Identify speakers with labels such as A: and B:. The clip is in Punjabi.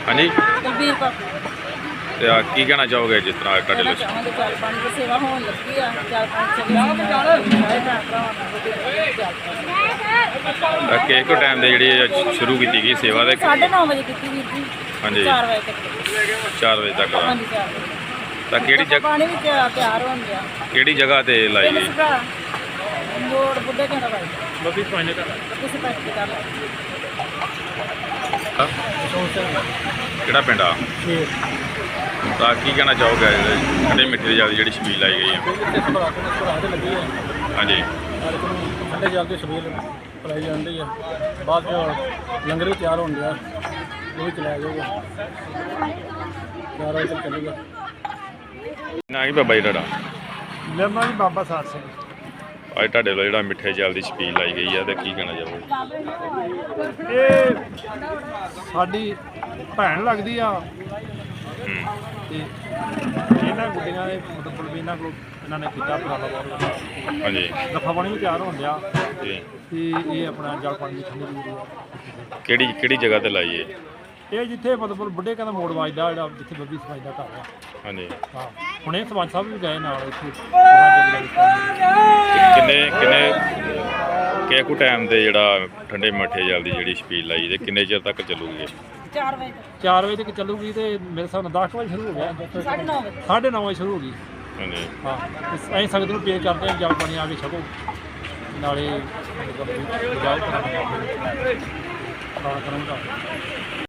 A: हाँ जी
B: ਦਲਬੀਰ ਕੌਰ
A: ਤੇ ਕੀ ਕਹਿਣਾ ਚਾਹੋਗੇ ਜਿਸ ਤਰ੍ਹਾਂ ਤੁਹਾਡੇ
B: ਕਹਿਣਾ
A: ਲਈ
B: ਚਾਹਾਂਗੇ ਜਲ ਪਾਣੀ ਦੀ ਸੇਵਾ ਹੋਣ ਲੱਗੀ ਆ ਜਲ ਪਾਣੀ ਸਾਰੇ ਭੈਣ ਭਰਾਵਾਂ ਨੂੰ ਜਲ ਪਾਣੀ
A: ਕਿ ਇੱਕੋ ਟਾਈਮ ਦੇ ਜਿਹੜੀ ਸ਼ੁਰੂ ਕੀਤੀ ਗਈ ਸੇਵਾ ਦੇ
B: 9:30 ਵਜੇ ਕੀਤੀ ਵੀਰ ਜੀ
A: ਹਾਂਜੀ
B: 4 ਵਜੇ ਤੱਕ
A: 4 ਵਜੇ ਤੱਕ
B: ਹਾਂਜੀ 4 ਵਜੇ
A: ਤਾਂ ਕਿਹੜੀ ਜਗ੍ਹਾ
B: ਪਾਣੀ ਵੀ ਤਿਆਰ ਹੋਣ ਗਿਆ
A: ਕਿਹੜੀ ਜਗ੍ਹਾ ਤੇ ਲਾਈ ਗਈ
B: ਮੋੜ ਬੁੱਢੇ ਕਹਿੰਦਾ ਬਾਈ
A: ਬੱਬੀ ਪਾਣੀ ਦਾ
B: ਕਿਸੇ ਪੈਸੇ ਤੇ ਕਰ ਲਾ
A: ਕਿਹੜਾ ਪਿੰਡ ਆ ਤਾਂ ਕੀ ਕਹਿਣਾ ਚਾਹੋਗੇ ਠੰਡੇ ਮਿੱਠੇ ਦੀ ਜਿਹੜੀ ਛਬੀਲ ਲਾਈ ਗਈ ਆ ਹਾਂਜੀ
C: ਠੰਡੇ ਜਲ ਦੀ ਛਬੀਲ ਪਲਾਈ ਜਾਂਦੀ ਆ ਬਾਅਦ ਚ ਲੰਗਰ ਵੀ ਤਿਆਰ ਹੋਣ ਡਿਆ ਉਹ ਵੀ ਚਲਾਇਆ ਜਾਊਗਾ 4 ਵਜੇ ਤੱਕ ਚੱਲੂਗਾ।
A: ਨਾ ਕੀ ਬਾਬਾ ਜੀ ਤੁਹਾਡਾ
C: ਮੇਰਾ ਜੀ ਬਾਬਾ ਸਾਧ ਸਿੰਘ।
A: ਅੱਜ ਤੁਹਾਡੇ ਵੱਲੋਂ ਜਿਹੜਾ ਮਿੱਠੇ ਜਲ ਦੀ ਛਬੀਲ ਲਾਈ ਗਈ ਆ ਤੇ ਕੀ ਕਹਿਣਾ ਚਾਹੋਗੇ
C: ਇਹ ਸਾਡੀ ਭੈਣ ਲੱਗਦੀ ਆ ਤੇ ਇਹਨਾਂ ਗੁੱਡੀਆਂ ਦੇ ਮਤਲਬ ਇਹਨਾਂ ਕੋਲ ਇਹਨਾਂ ਨੇ ਕੀਤਾ ਉਪਰਾਲਾ ਬਹੁਤ
A: ਹਾਂਜੀ
C: ਦਫਾ ਪਾਣੀ ਵੀ ਤਿਆਰ ਹੋਣ ਡਿਆ
A: ਜੀ
C: ਤੇ ਇਹ ਆਪਣਾ ਜਲ ਪਾਣੀ ਦੀ ਠੰਡੀ ਜ਼ਰੂਰੀ ਆ।
A: ਕਿਹੜੀ ਜਗ੍ਹਾ ਤੇ ਲਾਈ ਏ
C: ਇਹ ਜਿੱਥੇ ਮਤਲਬ ਬੁੱਢੇ ਕਹਿੰਦਾ ਮੋੜ ਵੱਜਦਾ ਜਿਹੜਾ ਜਿੱਥੇ ਬੱਬੀ ਸਮਾਜ ਦਾ ਘਰ ਆ।
A: ਹਾਂਜੀ
C: ਹਾਂ ਹੁਣੇ ਸਰਪੰਚ ਸਾਹਿਬ ਵੀ ਗਏ ਨਾਲ ਇੱਥੇ ਪ੍ਰੋਗਰਾਮ
A: ਕਿੰਨੇ ਕੁ ਟਾਈਮ ਤੇ ਜਿਹੜਾ ਠੰਡੇ ਮਿੱਠੇ ਜਲ ਦੀ ਜਿਹੜੀ ਛਬੀਲ ਲਾਈ ਤੇ ਕਿੰਨੇ ਚਿਰ ਤੱਕ ਚੱਲੂਗੀ
B: 4 ਵਜੇ ਤੱਕ
C: 4 ਵਜੇ ਤੱਕ ਚੱਲੂਗੀ ਤੇ ਮੇਰੇ ਹਿਸਾਬ ਨਾਲ 10 ਵਜੇ ਸ਼ੁਰੂ ਹੋ ਗਿਆ
B: 9:30 ਵਜੇ
C: 9:30 ਵਜੇ ਸ਼ੁਰੂ ਹੋ ਗਈ।
A: ਹਾਂਜੀ
C: ਹਾਂ ਅਸੀਂ ਸੰਗਤ ਨੂੰ ਪੇਸ਼ ਕਰਦੇ ਹਾਂ ਜਲ ਪਾਣੀ ਆ ਕੇ ਛਕੋ ਨਾਲੇ ਜਾਓ ਕਰੂੰਗਾ